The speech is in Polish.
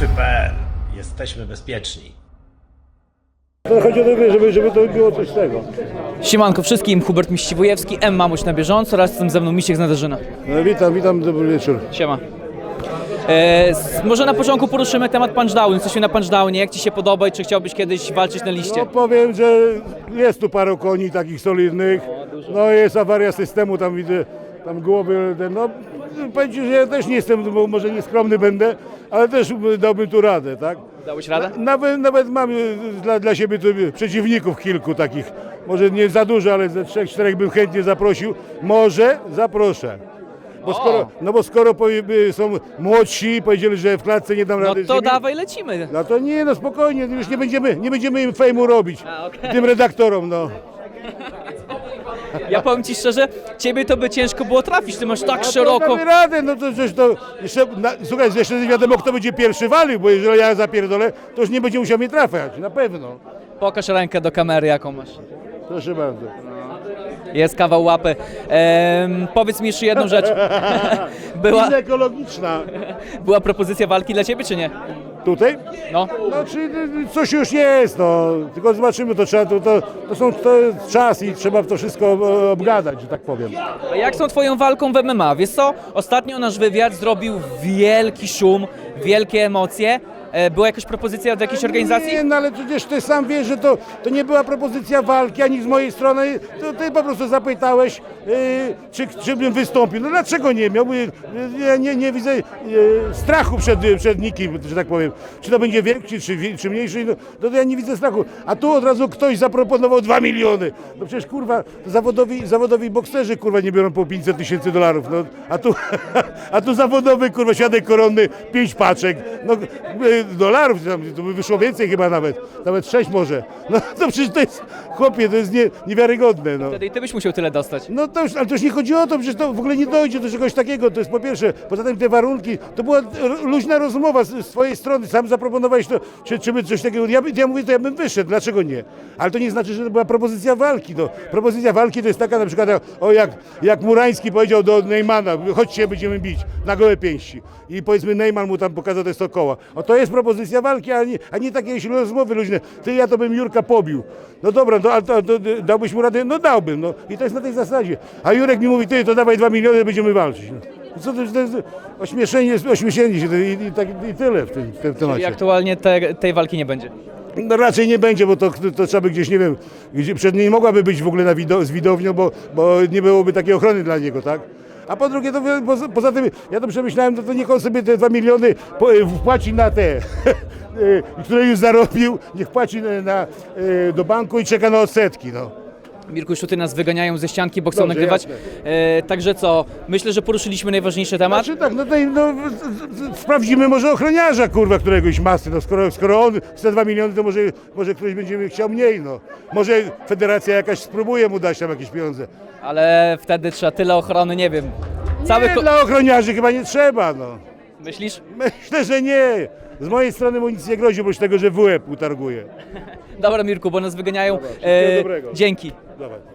Wszyscy.pl. Jesteśmy bezpieczni. To chodzi o to, żeby to było coś z tego. Siemanko wszystkim, Hubert Miściwojewski, M. Mamuś na bieżąco oraz jestem ze mną Misiek z Nadarzyna. No, witam, dobry wieczór. Siema. Może na początku poruszymy temat punchdownu. Jesteśmy na punchdownie, jak Ci się podoba i czy chciałbyś kiedyś walczyć na liście? No powiem, że jest tu paru koni takich solidnych. No jest awaria systemu, tam widzę, tam głowy, no powiem Ci, że ja też nie jestem, bo może nieskromny będę, ale też dałbym tu radę, tak? Dałeś radę? Nawet mam dla siebie tu przeciwników kilku takich, może nie za dużo, ale ze 3-4 bym chętnie zaprosił. Może zaproszę. Bo skoro są młodsi, powiedzieli, że w klatce nie dam No rady. to dawaj, lecimy. No to nie, no spokojnie, już nie będziemy im fejmu robić, tym redaktorom, no. Ja powiem Ci szczerze, Ciebie to by ciężko było trafić, Ty masz tak szeroko. Damy radę, no to przecież to jeszcze, słuchaj, jeszcze nie wiadomo, kto będzie pierwszy walił, bo jeżeli ja zapierdolę, to już nie będzie musiał mnie trafiać, na pewno. Pokaż rękę do kamery, jaką masz. Proszę bardzo. Jest kawał łapy. Powiedz mi jeszcze jedną rzecz. Wiza ekologiczna. Była propozycja walki dla Ciebie, czy nie? Tutaj? No. No, czy coś już jest, no. Tylko zobaczymy, to trzeba, to jest czas i trzeba to wszystko obgadać, że tak powiem. A jak z tą Twoją walką w MMA? Wiesz co, ostatnio nasz wywiad zrobił wielki szum, wielkie emocje. Była jakaś propozycja od jakiejś organizacji? Nie, no ale przecież ty sam wiesz, że to nie była propozycja walki, ani z mojej strony. To ty po prostu zapytałeś, czy bym wystąpił. No dlaczego nie miał? Ja nie widzę strachu przed nikim, że tak powiem. Czy to będzie wielki, czy mniejszy, no, to ja nie widzę strachu. A tu od razu ktoś zaproponował 2 miliony. No przecież kurwa, zawodowi bokserzy kurwa nie biorą po $500 000. No, a tu zawodowy kurwa świadek koronny 5 paczek. No, dolarów, to by wyszło więcej chyba nawet 6 może. No to przecież to jest, chłopie, to jest niewiarygodne. No. Wtedy i Ty byś musiał tyle dostać. No to już, ale to już nie chodzi o to, przecież to w ogóle nie dojdzie do czegoś takiego, to jest po pierwsze. Poza tym te warunki, to była luźna rozmowa z twojej strony, sam zaproponowałeś to, czy by coś takiego, ja mówię, to ja bym wyszedł, dlaczego nie? Ale to nie znaczy, że to była propozycja walki. No. Propozycja walki to jest taka na przykład, jak Murański powiedział do Neymana, chodźcie, będziemy bić na gołe pięści. I powiedzmy Neyman mu tam pokazał te 100 koła. O, to jest propozycja walki, a nie takie rozmowy luźne. Ty, ja to bym Jurka pobił. No dobra, to dałbyś mu radę? No dałbym, no. I to jest na tej zasadzie. A Jurek mi mówi, ty, to dawaj 2 miliony, będziemy walczyć. No. Co to jest ośmieszenie się i tyle w tym temacie. I aktualnie tej walki nie będzie. No raczej nie będzie, bo to trzeba by gdzieś, nie wiem, gdzie przed niej mogłaby być w ogóle z widownią, bo nie byłoby takiej ochrony dla niego, tak? A po drugie, to poza tym, ja to przemyślałem, to niech on sobie te 2 miliony wpłaci na te, które już zarobił, niech płaci do banku i czeka na odsetki, no. Mirku, już tutaj nas wyganiają ze ścianki, bo chcą Dobrze, nagrywać. jasne. Także co, myślę, że poruszyliśmy najważniejszy temat. Znaczy tak, sprawdzimy może ochroniarza, kurwa, któregoś masy, no skoro on chce 2 miliony, to może ktoś będzie chciał mniej, no. Może federacja jakaś spróbuje mu dać tam jakieś pieniądze. Ale wtedy trzeba tyle ochrony, nie wiem. Dla ochroniarzy chyba nie trzeba, no. Myślisz? Myślę, że nie. Z mojej strony mu nic nie grozi, oprócz tego, że w łeb utarguje. Dobra, Mirku, bo nas wyganiają. Wszystkiego dobrego. Dzięki. Dawaj.